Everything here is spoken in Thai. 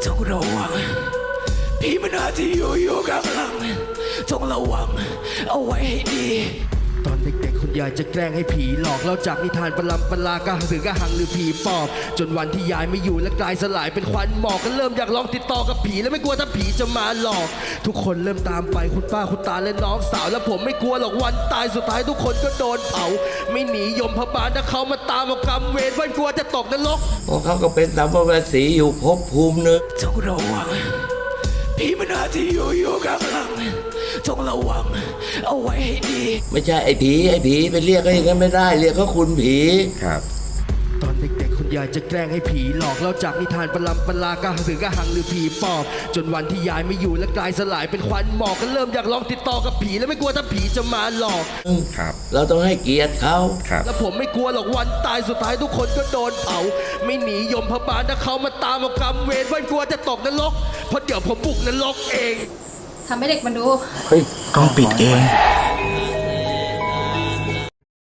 จงระวังพี่มันอาจจะอยู่ข้างหลังจงระวังเอาไว้ให้ดีตอนเด็กๆคุณยายจะแกล้งให้ผีหลอกเล่าจากนิทานปลำปลากระสือกระหังหรือผีปอบจนวันที่ยายไม่อยู่และกลายสลายเป็นควันหมอกก็เริ่มอยากลองติดต่อกับผีและไม่กลัวถ้าผีจะมาหลอกทุกคนเริ่มตามไปคุณป้าคุณตาและน้องสาวและผมไม่กลัวหรอกวันตายสุดท้ายทุกคนก็โดนเผาไม่หนียมพบาลถ้าเขามาตามเอากรรมเวรวันกลัวจะตกนรกเพราะเขาก็เป็นสัมภเวสีอยู่ภพภูมิหนึ่งจงระวังพี่มันอาจจะอยู่ข้างหลังจงระวังเอาไว้ให้ดีไม่ใช่ไอ้ผีไปเรียกเขาอย่างนั้นไม่ได้เรียกเขาคุณผีครับตอนเด็กๆคุณยายจะแกล้งให้ผีหลอกเล่าจากนิทานปลำปลากระสือกระหังหรือผีปอบจนวันที่ยายไม่อยู่และกลายสลายเป็นควันหมอกก็เริ่มอยากลองติดต่อกับผีและไม่กลัวถ้าผีจะมาหลอกครับเราต้องให้เกียรติเขาครับแล้วผมไม่กลัวหรอกวันตายสุดท้ายทุกคนก็โดนเผาไม่หนียมพบาลถ้าเขามาตามเอากรรมเวรวันกลัวจะตกนรกเพราะเดี๋ยวผมบุกนรกเองทำให้เด็กมันดูต้องปิดเอง